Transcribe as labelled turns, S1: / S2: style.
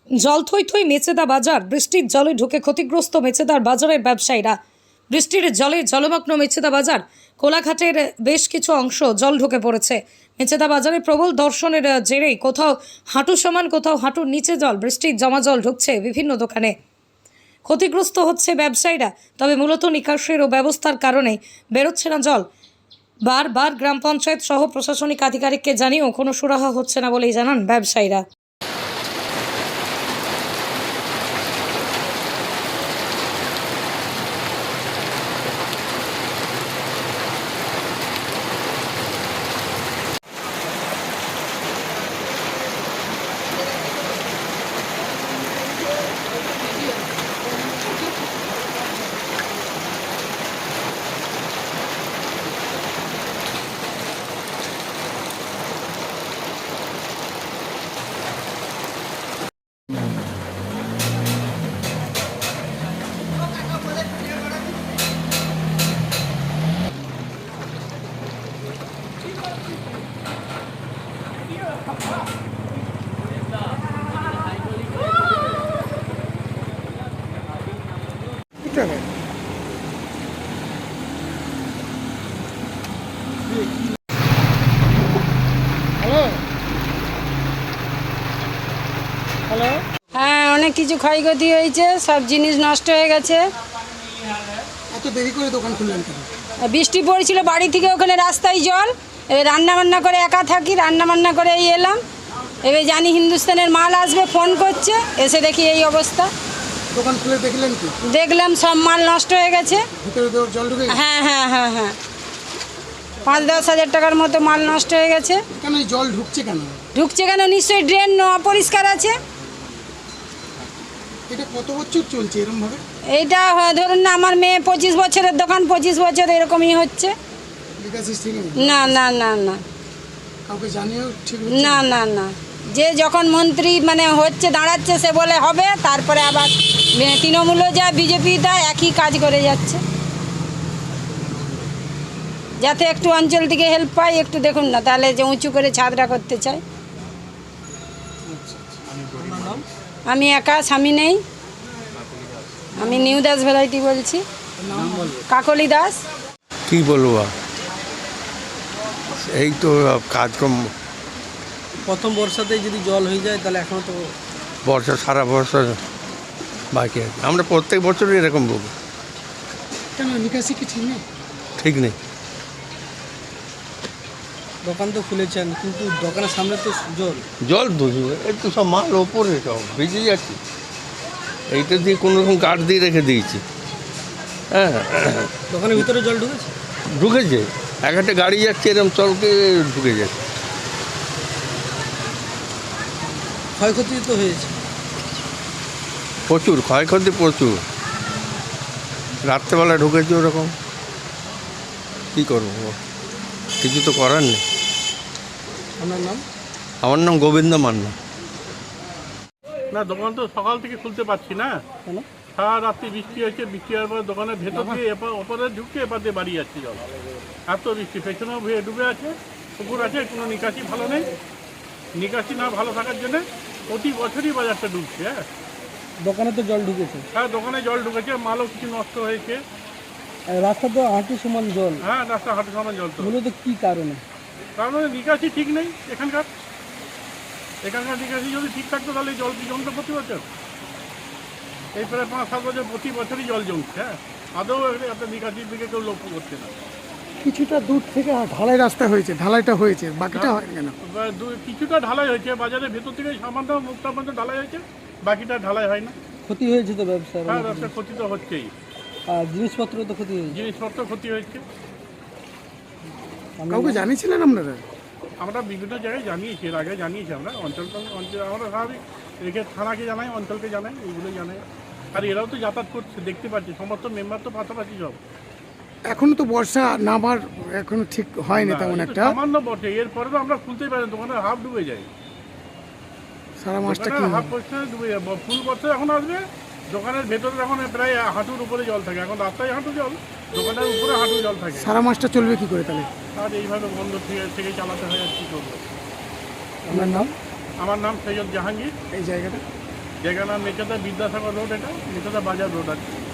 S1: জল থই থই মেচেদা বাজার। বৃষ্টির জলে ঢুকে ক্ষতিগ্রস্ত মেচেদার বাজারের ব্যবসায়ীরা। বৃষ্টির জলে জলমগ্ন মেচেদা বাজার। কোলাঘাটের বেশ কিছু অংশ জল ঢুকে পড়েছে। মেচেদা বাজারে প্রবল দর্শনের জেরেই কোথাও হাঁটু সমান, কোথাও হাঁটুর নিচে জল। বৃষ্টির জমা জল ঢুকছে বিভিন্ন দোকানে। ক্ষতিগ্রস্ত হচ্ছে ব্যবসায়ীরা। তবে মূলত নিকাশের ও ব্যবস্থার কারণে বেরোচ্ছে না জল। বারবার গ্রাম পঞ্চায়েত সহ প্রশাসনিক আধিকারিককে জানিয়েও কোনো সুরাহা হচ্ছে না বলেই জানান ব্যবসায়ীরা।
S2: হ্যাঁ, অনেক কিছু ক্ষয়ক্ষতি হয়েছে, সব জিনিস নষ্ট হয়ে গেছে।
S3: এত দেরি করে দোকান খুললেন কেন?
S2: বৃষ্টি পড়েছিল, বাড়ি থেকে ওখানে রাস্তায় জল। এবার রান্নাবান্না করে একা থাকি, রান্নাবান্না করে এই এলাম। এবার জানি হিন্দুস্তানের মাল আসবে, ফোন করছে, এসে দেখি এই অবস্থা।
S3: দোকান খুলে দেখলেন কি?
S2: দেখলাম সব মাল নষ্ট হয়ে গেছে।
S3: ভিতরে জল ঢুকে গেছে?
S2: হ্যাঁ হ্যাঁ হ্যাঁ হ্যাঁ, 5-10 হাজার টাকার মতো মাল নষ্ট হয়ে গেছে।
S3: কেন এই জল ঢুকছে কেন?
S2: ঢুকছে কেন? নিশ্চয়ই ড্রেন অপরিষ্কার আছে।
S3: এটা কত বছর চলছে এরকম ভাবে?
S2: এইটা ধরুন না, আমার মেয়ে 25 বছরের দোকান, 25 বছর এরকমই হচ্ছে।
S3: বিকাশিস ঠিক নেই?
S2: না না না না
S3: কাউকে জানিয়েও ঠিক হচ্ছে
S2: না না না, যে যখন মন্ত্রী মানে হচ্ছে দাঁড়াচ্ছে সে বলে হবে, তারপরে আবার তৃণমূলও যা বিজেপি তা একই কাজ করে যাচ্ছে। যাতে একটু অঞ্চল থেকে হেল্প পাই, একটু দেখুন না, তাহলে যে উঁচু করে ছাদটা করতে চাই। আমি একা, স্বামী নেই। আমি নিউ দাস ভ্যারাইটি বলছি, কাকলি দাস।
S4: কি বলবো, এই তো কাজকর্ম।
S5: প্রথম বর্ষাতেই যদি জল হয়ে যায় তাহলে এখনও তো
S4: বর্ষা, সারা বর্ষা বাকি আছে। আমরা প্রত্যেক বছরই এরকম বলবো।
S3: কেন নিকাশি কি ঠিক নেই?
S4: ঠিক নেই।
S5: দোকান তো খুলেছেন, কিন্তু দোকানের সামনে তো জল।
S4: জল বুঝবে, একটু সব মাল ওপরে সব ভিজে যাচ্ছে। এইটা দিয়ে কোনো রকম কাঠ দিয়ে রেখে দিয়েছি। হ্যাঁ,
S5: দোকানের ভিতরে জল ঢুকেছে।
S4: ঢুকেছে। এক একটা গাড়ি যাচ্ছে এরকম চলকে ঢুকে যাচ্ছে।
S5: ক্ষয়ক্ষতি তো হয়েছে
S4: প্রচুর ক্ষয়ক্ষতি, প্রচুর। রাত্রেবেলা ঢুকেছে ওরকম। কী করবো, কিছু তো করার নেই।
S5: আপনার নাম?
S4: আমার নাম গোবিন্দ মান্না।
S6: না, দোকান তো সকাল থেকে খুলতে পারছি না।
S5: কেন?
S6: সারা রাত্রি বৃষ্টি হয়েছে। বৃষ্টি হওয়ার পর দোকানের ভেতর দিয়ে ওপরে ঢুকছে, এপার দিয়ে বাড়ি যাচ্ছে জল। এত বৃষ্টি, পেছনেও ডুবে আছে, পুকুর আছে, কোনো নিকাশি ভালো নেই। নিকাশি না ভালো থাকার জন্য প্রতি বছরই বাজারটা ডুবছে। হ্যাঁ,
S5: দোকানে তো জল ঢুকেছে।
S6: হ্যাঁ, দোকানে জল ঢুকেছে, মালও কিছু নষ্ট হয়েছে।
S5: আর রাস্তা তো হাঁটু সমান জল।
S6: হ্যাঁ, রাস্তা হাঁটু সমান জল। তো
S5: মূলত কী কারণে?
S6: কারণ নিকাশি ঠিক নেই এখানকার নিকাশি যদি ঠিক থাকতো তাহলে জল কি জমতো প্রতি বছর? এই প্রায় 5-7 বছর প্রতি বছরই জল জমছে। হ্যাঁ, আদৌ একটা নিকাশির দিকে কেউ লক্ষ্য করছে না।
S3: কিছুটা দূর থেকে ঢালাই রাস্তা হয়েছে, ঢালাইটা হয়েছে, বাকিটা হয় কেন?
S6: কিছুটা ঢালাই হয়েছে, বাজারের ভেতর থেকে সামান্য মুখটা পর্যন্ত ঢালাই হয়েছে, বাকিটা ঢালাই হয় না।
S5: ক্ষতি হয়েছে তো ব্যবসার।
S6: হ্যাঁ, ব্যবসার ক্ষতি তো হচ্ছেই।
S5: আর জিনিসপত্র তো ক্ষতি হয়েছে।
S6: জিনিসপত্র ক্ষতি হয়েছে।
S3: কাউকে জানিয়েছিলেন আপনারা?
S6: আমরা বিভিন্ন জায়গায় জানিয়েছি, এর আগে জানিয়েছি। আমরা অঞ্চল আমরা স্বাভাবিক রেখে থানাকে জানাই, অঞ্চলকে জানাই, এইগুলো জানাই। আর এরাও তো যাতায়াত করছে, দেখতে পাচ্ছি, সমস্ত মেম্বার তো পাশাপাশি সব।
S3: এখনো তো বর্ষা নামার এখনো ঠিক হয়নি তেমন একটা।
S6: সামান্য বটে, এরপরে তো আমরা খুলতেই পারি, দোকানে হাফ ডুবে যায়।
S3: সারা মাসটা কি
S6: হাফ পয়সা ডুবে যায়। ফুল বর্ষা এখন আসবে, দোকানের ভেতরে এখন প্রায় হাঁটুর উপরে জল থাকে। এখন রাস্তায় হাঁটু জল, দোকানের উপরে হাঁটু জল থাকে।
S3: সারা মাসটা চলবে কি করে তাহলে?
S6: আর এইভাবে বন্ধ থেকে চালাতে হয়। আর কি করবো?
S3: আপনার নাম?
S6: আমার নাম সৈয়দ জাহাঙ্গীর।
S3: এই জায়গাটা
S6: জায়গা নাম মেচেদা বিদ্যাসাগর রোড, এটা মেচেদা বাজার রোড আছে।